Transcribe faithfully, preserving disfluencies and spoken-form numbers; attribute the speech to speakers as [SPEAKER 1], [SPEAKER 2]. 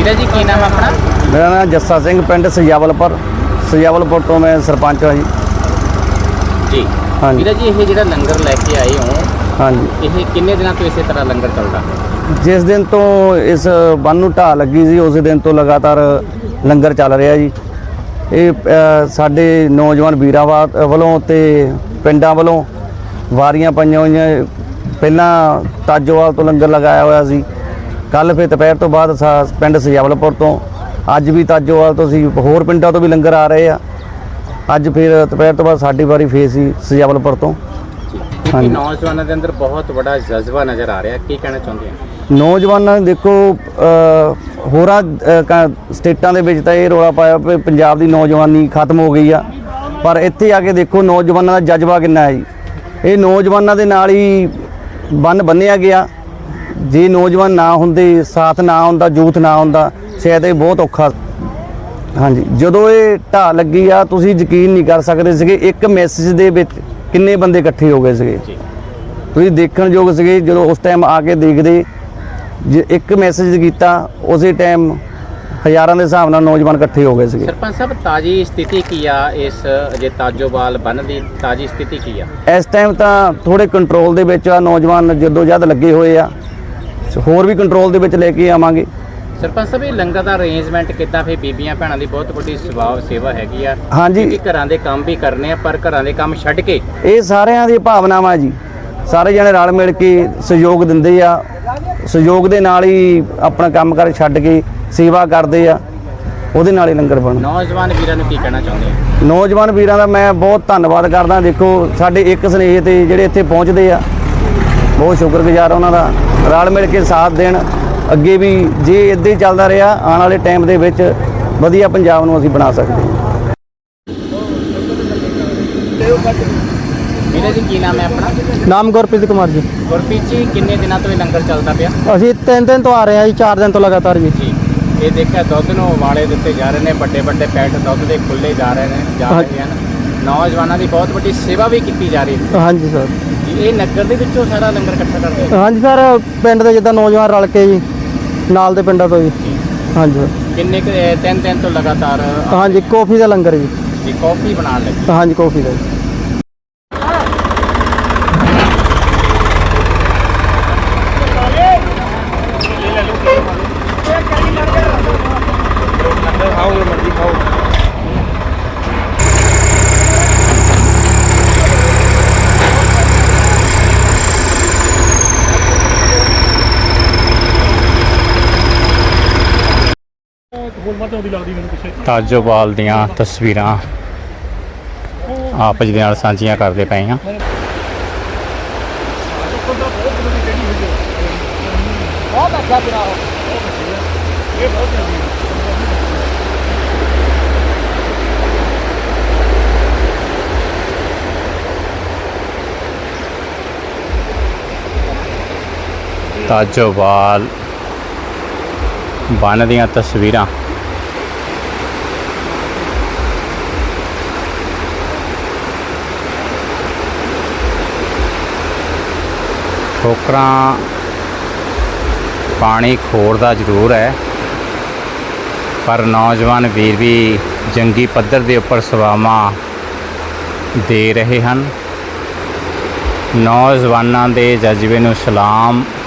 [SPEAKER 1] ਵੀਰਾ ਜੀ ਕੀ ਨਾਮ ਆਪਣਾ?
[SPEAKER 2] मेरा नाम जस्सा सिंह, पिंड सजावलपुर सजावलपुर तो मैं सरपंच हाँ जी।
[SPEAKER 1] ਜੀ
[SPEAKER 2] हाँ जी
[SPEAKER 1] ਵੀਰਾ ਜੀ ਇਹ ਜਿਹੜਾ ਲੰਗਰ ਲੈ ਕੇ ਆਏ ਹੋ
[SPEAKER 2] हाँ जी।
[SPEAKER 1] ਇਹ ਕਿੰਨੇ ਦਿਨਾਂ ਤੋਂ ਇਸੇ ਤਰ੍ਹਾਂ ਲੰਗਰ ਚੱਲਦਾ?
[SPEAKER 2] जिस दिन तो इस ਬੰਨ ਨੂੰ ਢਾਹ ਲੱਗੀ ਸੀ ਉਸ ਦਿਨ ਤੋਂ ਲਗਾਤਾਰ ਲੰਗਰ ਚੱਲ ਰਿਹਾ ਜੀ। ਇਹ ਅ, ਸਾਡੇ ਨੌਜਵਾਨ ਵੀਰਾਂ ਵਾ- ਵੱਲੋਂ ਤੇ ਪਿੰਡਾਂ ਵੱਲੋਂ ਵਾਰੀਆਂ ਪਾਈਆਂ ਹੋਈਆਂ। ਪਹਿਲਾਂ ਤਾਜੋਵਾਲ ਤੋਂ ਲੰਗਰ ਲਗਾਇਆ ਹੋਇਆ ਸੀ, ਕੱਲ ਫਿਰ ਦੁਪਹਿਰ ਤੋਂ ਬਾਅਦ ਸਾ- ਪਿੰਡ ਸਜਾਵਲਪੁਰ ਤੋਂ, ਅੱਜ ਵੀ ਤਾਜੋਵਾਲ ਤੋਂ ਸੀ, ਹੋਰ ਪਿੰਡਾਂ ਤੋਂ ਵੀ ਲੰਗਰ ਆ ਰਹੇ ਆ। ਅੱਜ ਫਿਰ ਦੁਪਹਿਰ ਤੋਂ ਬਾਅਦ ਸਾਡੀ ਵਾਰੀ ਫੇਰ ਸੀ ਸਜਾਵਲਪੁਰ ਤੋਂ।
[SPEAKER 1] ਕਿਉਂਕਿ ਨੌਜਵਾਨਾਂ ਦੇ ਅੰਦਰ ਬਹੁਤ ਵੱਡਾ ਜਜ਼ਬਾ ਨਜ਼ਰ ਆ ਰਿਹਾ, ਕੀ ਕਹਿਣਾ ਚਾਹੁੰਦੇ ਆ?
[SPEAKER 2] ਨੌਜਵਾਨਾਂ ਨੇ ਦੇਖੋ ਅ, ਹੋਰਾਂ ਅ, ਕ- ਸਟੇਟਾਂ ਦੇ ਵਿੱਚ ਤਾਂ ਇਹ ਰੌਲਾ ਪਾਇਆ ਵੀ ਪੰਜਾਬ ਦੀ ਨੌਜਵਾਨੀ ਖਤਮ ਹੋ ਗਈ ਆ, ਪਰ ਇੱਥੇ ਆ ਕੇ ਦੇਖੋ ਨੌਜਵਾਨਾਂ ਦਾ ਜਜ਼ਬਾ ਕਿੰਨਾ ਹੈ ਜੀ। ਇਹ ਨੌਜਵਾਨਾਂ ਦੇ ਨਾਲ ਹੀ ਬੰਨ ਬੰਨਿਆ ਗਿਆ। ਜੇ ਨੌਜਵਾਨ ਨਾ ਹੁੰਦੇ, ਸਾਥ ਨਾ ਹੁੰਦਾ, ਯੂਥ ਨਾ ਹੁੰਦਾ, ਸ਼ਾਇਦ ਇਹ ਬਹੁਤ ਔਖਾ। ਹਾਂਜੀ, ਜਦੋਂ ਇਹ ਢਾਹ ਲੱਗੀ ਆ ਤੁਸੀਂ ਯਕੀਨ ਨਹੀਂ ਕਰ ਸਕਦੇ ਸੀਗੇ ਇੱਕ ਮੈਸੇਜ ਦੇ ਵਿੱਚ ਕਿੰਨੇ ਬੰਦੇ ਇਕੱਠੇ ਹੋ ਗਏ ਸੀਗੇ। ਤੁਸੀਂ ਦੇਖਣ ਯੋਗ ਸੀਗੇ ਜਦੋਂ ਉਸ ਟਾਈਮ ਆ ਕੇ ਦੇਖਦੇ, ਜੇ ਇੱਕ ਮੈਸੇਜ ਕੀਤਾ ਉਸੇ ਟਾਈਮ ਹਜ਼ਾਰਾਂ ਦੇ ਹਿਸਾਬ ਨਾਲ ਨੌਜਵਾਨ ਇਕੱਠੇ ਹੋ ਗਏ ਸੀਗੇ।
[SPEAKER 1] ਸਰਪੰਚ ਸਾਹਿਬ ਤਾਜੀ ਸਥਿਤੀ ਕੀ ਆ ਇਸ ਜੇ ਤਾਜੋਵਾਲ ਬੰਨ ਦੀ ਤਾਜੀ ਸਥਿਤੀ ਕੀ ਆ?
[SPEAKER 2] ਇਸ ਟਾਈਮ ਤਾਂ ਥੋੜੇ ਕੰਟਰੋਲ ਦੇ ਵਿੱਚ ਆ, ਨੌਜਵਾਨ ਜਦੋਂ ਜਦ ਲੱਗੇ ਹੋਏ ਆ, ਹੋਰ ਵੀ ਕੰਟਰੋਲ ਦੇ ਵਿੱਚ ਲੈ ਕੇ ਆਵਾਂਗੇ।
[SPEAKER 1] ਸਰਪੰਚ ਸਾਹਿਬ ਇਹ ਲੰਗਰ ਦਾ ਅਰੇਂਜਮੈਂਟ ਕਿੱਦਾਂ? ਫਿਰ ਬੀਬੀਆਂ ਭੈਣਾਂ ਦੀ ਬਹੁਤ ਵੱਡੀ ਸੇਵਾ ਸੇਵਾ ਹੈਗੀ ਆ।
[SPEAKER 2] ਹਾਂਜੀ,
[SPEAKER 1] ਕਿ ਘਰਾਂ ਦੇ ਕੰਮ ਵੀ ਕਰਨੇ ਆ, ਪਰ ਘਰਾਂ ਦੇ ਕੰਮ ਛੱਡ ਕੇ
[SPEAKER 2] ਇਹ ਸਾਰਿਆਂ ਦੀ ਭਾਵਨਾਵਾਂ ਜੀ। ਸਾਰੇ ਜਣੇ ਰਲ ਮਿਲ ਕੇ ਸਹਿਯੋਗ ਦਿੰਦੇ ਆ, ਸਹਿਯੋਗ ਦੇ ਨਾਲ ਹੀ ਆਪਣਾ ਕੰਮ ਕਰ ਛੱਡ ਕੇ ਸੇਵਾ ਕਰਦੇ ਆ, ਉਹਦੇ ਨਾਲ ਹੀ ਲੰਗਰ ਬਣਦਾ।
[SPEAKER 1] ਨੌਜਵਾਨ ਵੀਰਾਂ ਨੂੰ ਕੀ ਕਹਿਣਾ ਚਾਹੁੰਦੇ ਆ?
[SPEAKER 2] ਨੌਜਵਾਨ ਵੀਰਾਂ ਦਾ ਮੈਂ ਬਹੁਤ ਧੰਨਵਾਦ ਕਰਦਾ। ਦੇਖੋ ਸਾਡੇ ਇੱਕ ਸਨੇਹ ਤੇ ਜਿਹੜੇ ਇੱਥੇ ਪਹੁੰਚਦੇ ਆ, ਬਹੁਤ ਸ਼ੁਕਰਗੁਜ਼ਾਰ ਉਹਨਾਂ ਦਾ। ਰਲ ਮਿਲ ਕੇ ਸਾਥ ਦੇਣ, ਅੱਗੇ ਵੀ ਜੇ ਇੱਦਾਂ ਹੀ ਚੱਲਦਾ ਰਿਹਾ ਆਉਣ ਵਾਲੇ ਟਾਈਮ ਦੇ ਵਿੱਚ ਵਧੀਆ ਪੰਜਾਬ ਨੂੰ ਅਸੀਂ ਬਣਾ ਸਕਦੇ ਹਾਂ।
[SPEAKER 1] ਵੀਰਾ ਜੀ ਕੀ ਨਾਮ ਹੈ ਆਪਣਾ?
[SPEAKER 3] ਨਾਮ ਗੁਰਪ੍ਰੀਤ ਕੁਮਾਰ ਜੀ।
[SPEAKER 1] ਗੁਰਪ੍ਰੀਤ ਜੀ ਕਿੰਨੇ ਦਿਨਾਂ ਤੋਂ ਇਹ ਲੰਗਰ ਚੱਲਦਾ ਪਿਆ?
[SPEAKER 3] ਅਸੀਂ ਤਿੰਨ ਦਿਨ ਤੋਂ ਆ ਰਹੇ ਹਾਂ ਜੀ, ਚਾਰ ਦਿਨ ਤੋਂ ਲਗਾਤਾਰ ਜੀ।
[SPEAKER 1] ਜੀ ਇਹ ਦੇਖਿਆ ਦੁੱਧ ਨੂੰ ਉਬਾਲੇ ਦਿੱਤੇ ਜਾ ਰਹੇ ਨੇ, ਵੱਡੇ ਵੱਡੇ ਪੈਕਟ ਦੁੱਧ ਦੇ ਖੁੱਲੇ ਜਾ ਰਹੇ ਨੇ ਜਾ ਰਹੇ ਹਨ। ਨੌਜਵਾਨਾਂ ਦੀ ਬਹੁਤ ਵੱਡੀ ਸੇਵਾ ਵੀ ਕੀਤੀ ਜਾ ਰਹੀ ਹੈ।
[SPEAKER 3] ਹਾਂਜੀ ਸਰ।
[SPEAKER 1] ਜੀ ਇਹ ਨਗਰ ਦੇ ਵਿੱਚੋਂ ਸਾਰਾ ਲੰਗਰ ਇਕੱਠਾ ਕਰਦੇ ਹੋ?
[SPEAKER 3] ਹਾਂਜੀ ਸਰ, ਪਿੰਡ ਦੇ ਜਿੱਦਾਂ ਨੌਜਵਾਨ ਰਲ ਕੇ ਜੀ, ਨਾਲ ਦੇ ਪਿੰਡਾਂ ਤੋਂ ਜੀ। ਹਾਂਜੀ ਸਰ।
[SPEAKER 1] ਕਿੰਨੇ ਕੁ, ਇਹ ਤਿੰਨ ਦਿਨ ਤੋਂ ਲਗਾਤਾਰ
[SPEAKER 3] ਹਾਂਜੀ, ਕੌਫੀ ਦਾ ਲੰਗਰ ਜੀ।
[SPEAKER 1] ਜੀ ਕਾਫੀ ਬਣਾਉਣ ਲੱਗੇ?
[SPEAKER 3] ਹਾਂਜੀ, ਕੌਫੀ ਦਾ ਜੀ।
[SPEAKER 1] ਤਾਜੋਵਾਲ ਦੀਆਂ ਤਸਵੀਰਾਂ ਆਪਸ ਦੇ ਨਾਲ ਸਾਂਝੀਆਂ ਕਰਦੇ ਪਏ ਹਾਂ। ਤਾਜੋਵਾਲ ਬੰਨ ਦੀਆਂ ਤਸਵੀਰਾਂ ਠੋਕਰਾਂ ਪਾਣੀ ਖੋਰਦਾ ਜ਼ਰੂਰ ਹੈ, ਪਰ ਨੌਜਵਾਨ ਵੀਰ ਵੀ ਜੰਗੀ ਪੱਧਰ ਦੇ ਉੱਪਰ ਸੇਵਾਵਾਂ ਦੇ ਰਹੇ ਹਨ। ਨੌਜਵਾਨਾਂ ਦੇ ਜਜ਼ਬੇ ਨੂੰ ਸਲਾਮ।